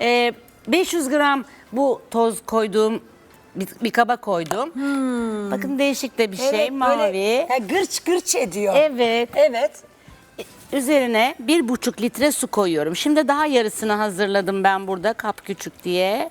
500 gram bu toz koyduğum bir kaba koydum. Bakın değişik de bir şey, mavi. Böyle, gırç gırç ediyor. Evet. Evet. Üzerine 1,5 litre su koyuyorum. Şimdi daha yarısını hazırladım ben burada, kap küçük diye.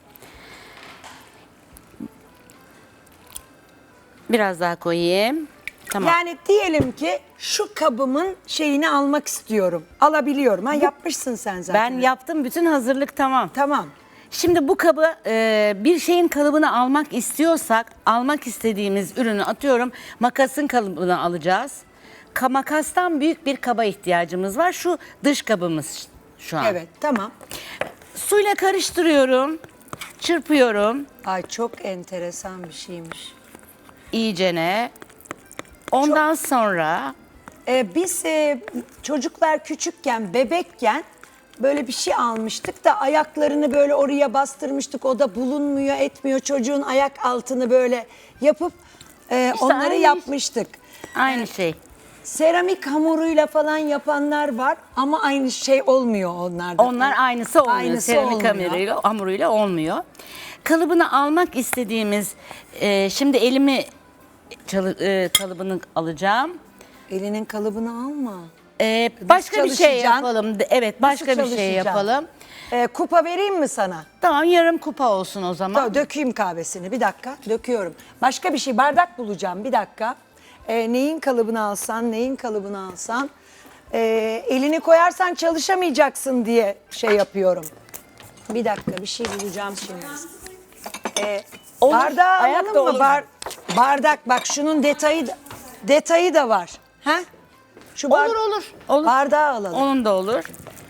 Biraz daha koyayım. Tamam. Yani diyelim ki şu kabımın şeyini almak istiyorum. Alabiliyorum. Ha, yapmışsın sen zaten. Ben yaptım, bütün hazırlık tamam. Tamam. Şimdi bu kabı bir şeyin kalıbını almak istiyorsak, almak istediğimiz ürünü atıyorum makasın kalıbını alacağız. Makastan büyük bir kaba ihtiyacımız var. Şu dış kabımız şu an. Evet, tamam. Suyla karıştırıyorum, çırpıyorum Ay çok enteresan bir şeymiş. iyicene. Ondan sonra Biz çocuklar küçükken, bebekken böyle bir şey almıştık da ayaklarını böyle oraya bastırmıştık. O da bulunmuyor, etmiyor. Çocuğun ayak altını böyle yapıp onları aynı yapmıştık. aynı şey. Seramik hamuruyla falan yapanlar var ama aynı şey olmuyor onlarda. Onlar aynısı olmuyor. Aynısı Seramik olmuyor. hamuruyla olmuyor. Kalıbını almak istediğimiz, şimdi elimi kalıbını alacağım. Elinin kalıbını alma. Başka bir şey çalışacaksın? yapalım. Evet, başka bir şey çalışacaksın? yapalım. Kupa vereyim mi sana? Tamam, yarım kupa olsun o zaman. Tamam, dökeyim kahvesini. Bir dakika, döküyorum. Başka bir şey, bardak bulacağım. Bir dakika. Neyin kalıbını alsan, neyin kalıbını alsan. Elini koyarsan çalışamayacaksın diye şey yapıyorum. Bir dakika, bir şey bulacağım şimdi. Olur, Bardağı ayak alalım da mı? olur. Bardak, bak şunun detayı da var. Ha? Şu Olur. Bardağı alalım. Onun da olur.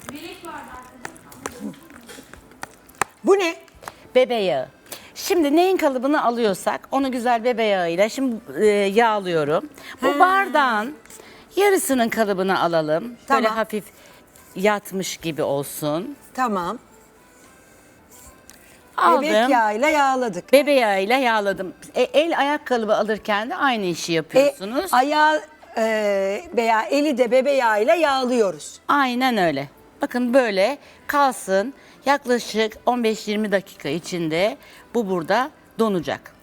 Bu ne? Bebe yağı. Şimdi neyin kalıbını alıyorsak onu güzel bebe yağıyla şimdi yağlıyorum. Bu bardağın yarısının kalıbını alalım. Böyle Tamam. hafif yatmış gibi olsun. Tamam. Aldım. Bebek yağıyla yağladık. Bebe yağıyla yağladım. El ayak kalıbı alırken de aynı işi yapıyorsunuz. Ayağı veya eli de bebe yağıyla yağlıyoruz. Aynen öyle. Bakın böyle kalsın. Yaklaşık 15-20 dakika içinde bu burada donacak.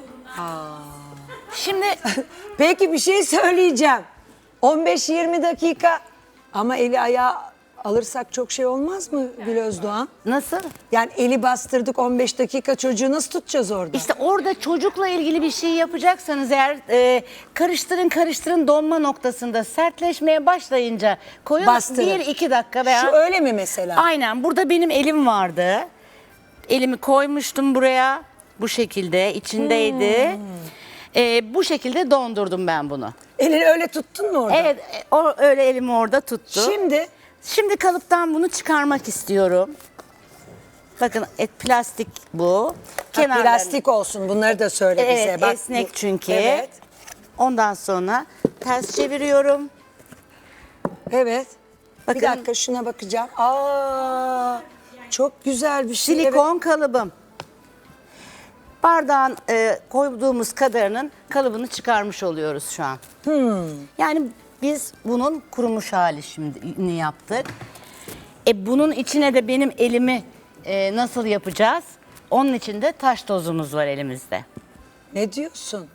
Şimdi Peki bir şey söyleyeceğim. 15-20 dakika ama eli ayağı alırsak çok şey olmaz mı Gül Özdoğan? nasıl? Yani eli bastırdık 15 dakika, çocuğu nasıl tutacağız orada? İşte orada çocukla ilgili bir şey yapacaksanız eğer karıştırın donma noktasında sertleşmeye başlayınca koyun Bastırın. 1-2 dakika veya... Şu öyle mi mesela? Aynen, burada benim elim vardı. Elimi koymuştum buraya bu şekilde içindeydi. Bu şekilde dondurdum ben bunu. Elini öyle tuttun mu orada? Evet, öyle elimi orada tuttu. Şimdi Kalıptan bunu çıkarmak istiyorum. Bakın plastik bu. Kenarlarını- plastik olsun, bunları da söyle Evet, bize. Bak, esnek çünkü. Evet. Ondan sonra ters çeviriyorum. Evet. Bakın. Bir dakika şuna bakacağım. Aa, çok güzel bir şey. Silikon kalıbım. Bardağın koyduğumuz kadarının kalıbını çıkarmış oluyoruz şu an. Yani biz bunun kurumuş hali şimdi yaptık. Bunun içine de benim elimi nasıl yapacağız? Onun için de taş tozumuz var elimizde. Ne diyorsun?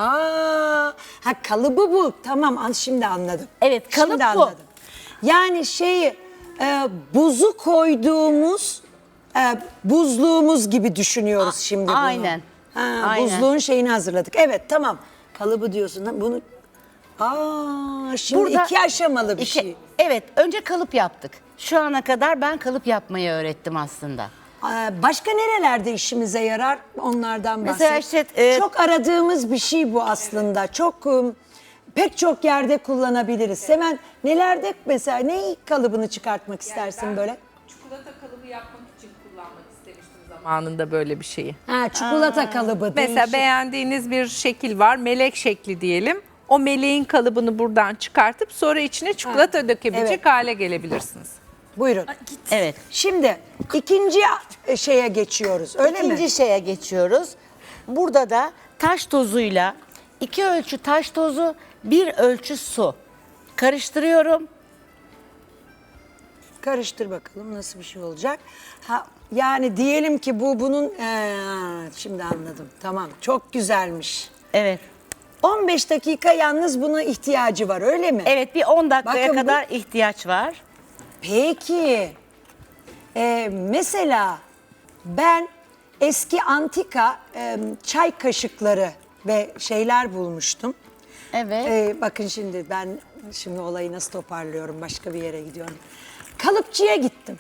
Kalıbı bu. Tamam, şimdi anladım. Evet, kalıp Şimdi bu. anladım. Yani buzu koyduğumuz buzluğumuz gibi düşünüyoruz şimdi bunu. Aynen. Aynen. Buzluğun şeyini hazırladık. Evet, tamam. Kalıbı diyorsun. Bunu şimdi Burada 2 aşamalı bir şey. Evet, önce kalıp yaptık. Şu ana kadar ben kalıp yapmayı öğrettim aslında. Başka nerelerde işimize yarar? Onlardan bahset. Mesela işte, çok aradığımız bir şey bu aslında. Pek çok yerde kullanabiliriz. Hemen nelerde mesela ne kalıbını çıkartmak istersin böyle? Çikolata kalıbı yapmak için kullanmak istemiştim zamanında böyle bir şeyi. Çikolata kalıbı. Mesela değişik. beğendiğiniz bir şekil var, melek şekli diyelim. O meleğin kalıbını buradan çıkartıp sonra içine çikolata dökebilecek evet. hale gelebilirsiniz. Buyurun. Evet. Şimdi ikinci şeye geçiyoruz. Öyle mi? İkinci şeye geçiyoruz. Burada da taş tozuyla 2 ölçü taş tozu, 1 ölçü su. Karıştırıyorum. karıştır bakalım nasıl bir şey olacak. Ha, yani diyelim ki bunun şimdi anladım. Tamam, çok güzelmiş. Evet. 15 dakika yalnız buna ihtiyacı var, öyle mi? Evet, bir 10 dakikaya Bakın bu- kadar ihtiyaç var. Peki, mesela ben eski antika çay kaşıkları ve şeyler bulmuştum. Evet. Bakın şimdi ben olayı nasıl toparlıyorum, başka bir yere gidiyorum. Kalıpçıya gittim.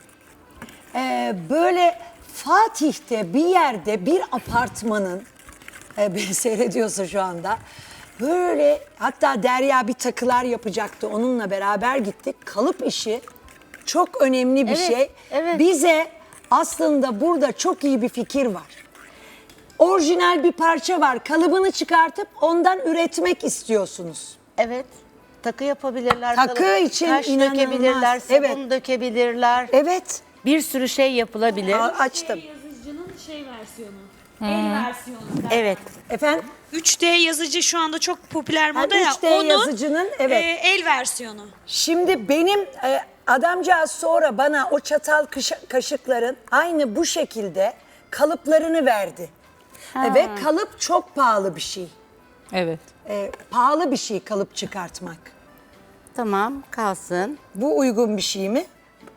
Böyle Fatih'te bir yerde bir apartmanın, beni seyrediyorsa şu anda, böyle hatta Derya bir takılar yapacaktı, onunla beraber gittik. Kalıp işi çok önemli bir Evet, şey. evet. Bize aslında burada çok iyi bir fikir var. Orijinal bir parça var, kalıbını çıkartıp ondan üretmek istiyorsunuz. Evet. Takı yapabilirler. Takı kalıp- için taş inanılmaz. dökebilirler, sabun Evet. dökebilirler. Evet, Bir sürü şey yapılabilir. açtım. Yazıcının versiyonu. El versiyonu. Evet. Efendim? 3D yazıcı şu anda çok popüler Ha, moda ya. 3D Onun yazıcının, evet. el versiyonu. Şimdi benim adamcağız sonra bana o çatal kaşıkların aynı bu şekilde kalıplarını verdi. Ve kalıp çok pahalı bir şey. Evet. Pahalı bir şey kalıp çıkartmak. Tamam, kalsın. Bu uygun bir şey mi?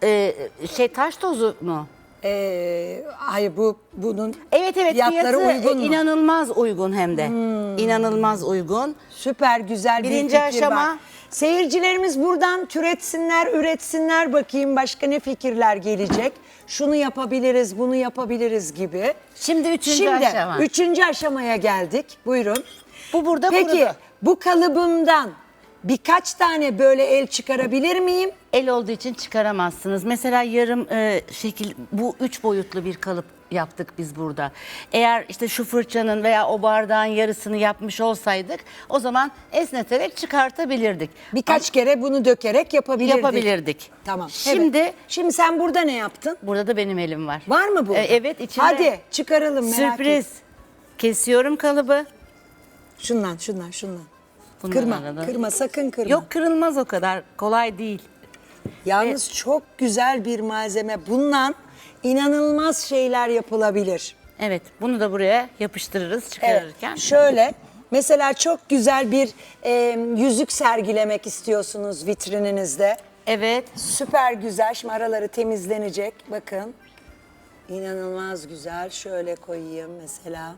Taş tozu mu? Hayır, bunun Evet, fiyatları fiyatı uygun mu? inanılmaz uygun hem de. İnanılmaz uygun. Süper güzel bir Birinci fikir aşama. var. Seyircilerimiz buradan türetsinler, üretsinler, bakayım başka ne fikirler gelecek. Şunu yapabiliriz, bunu yapabiliriz gibi. Şimdi üçüncü Şimdi aşama. üçüncü aşamaya geldik. Buyurun. Bu burada Peki kurudu. bu kalıbımdan birkaç tane böyle el çıkarabilir miyim? El olduğu için çıkaramazsınız. Mesela yarım şekil, bu 3 boyutlu bir kalıp yaptık biz burada. Eğer işte şu fırçanın veya o bardağın yarısını yapmış olsaydık, o zaman esneterek çıkartabilirdik. Birkaç kere bunu dökerek yapabilirdik. Yapabilirdik. Tamam. Şimdi evet. Şimdi sen burada ne yaptın? burada da benim elim var. Var mı bu? Evet, içinde. Hadi çıkaralım, merak Sürpriz. et. Kesiyorum kalıbı. Şundan. Bundan Kırma, arada. kırma, sakın kırma. Yok, kırılmaz, o kadar kolay değil. Yalnız çok güzel bir malzeme. Bundan inanılmaz şeyler yapılabilir. Evet, bunu da buraya yapıştırırız çıkarırken. Şöyle, mesela çok güzel bir yüzük sergilemek istiyorsunuz vitrininizde. Evet. Süper güzel. Şimdi araları temizlenecek. Bakın. İnanılmaz güzel. Şöyle koyayım mesela.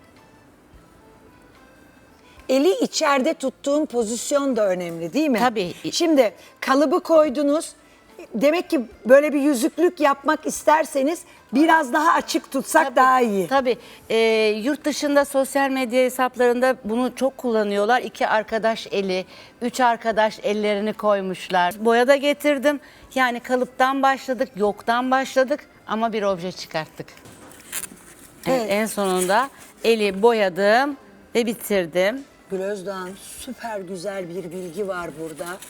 Eli içeride tuttuğun pozisyon da önemli, değil mi? Tabii. Şimdi kalıbı koydunuz. Demek ki böyle bir yüzüklük yapmak isterseniz biraz daha açık tutsak daha iyi. Tabii. Yurt dışında sosyal medya hesaplarında bunu çok kullanıyorlar. 2 arkadaş eli, 3 arkadaş ellerini koymuşlar. Boya da getirdim. Yani kalıptan başladık, yoktan başladık ama bir obje çıkarttık. Evet, Evet. en sonunda eli boyadım ve bitirdim. Gül Özdoğan, süper güzel bir bilgi var burada.